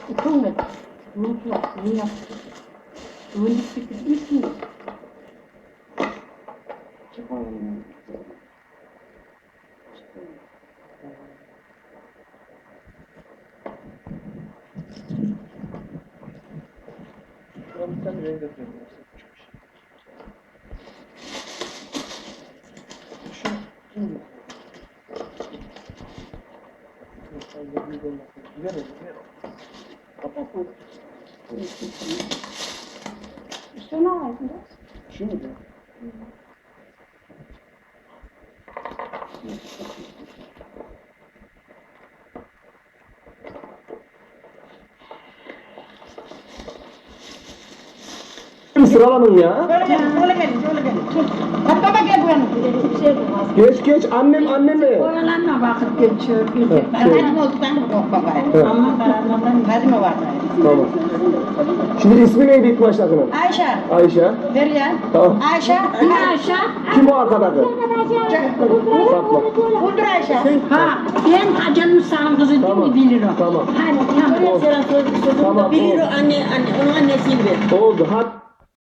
Kılmadı. Unutma. Ne yaptı? Öğünlük bitirmiş mi? Çıkalım. Şuna bir tane renk atıyorum. Şu şimdi. Fazla büyük olmasın. Gider o, gider o. Kapatın. İşte ne var bunda? Şu mu diyor? Sıralanın ya. Şöyle gelin, şöyle gelin, şöyle gelin. Hatta gel bu yana. Geç geç annem mi? Oyalanma vakit geçiyor. Şey. Hadi olduktan da korkma gayrı. Ama karanlıktan hadi mi var gayrı? Tamam. Şimdi ismi neydi ilk baştakının? Ayşe. Ayşe. Derya. Tamam. Ayşe. Ayşe. Kim o arkadaki? Fatma. Budur Ayşe. Ha, ben canım sağın kızı değil Tamam. mi bilir o? Tamam. Hadi tamam. Tamam. Bilir o anne, onun annesiyim ben. Oldu. Hadi.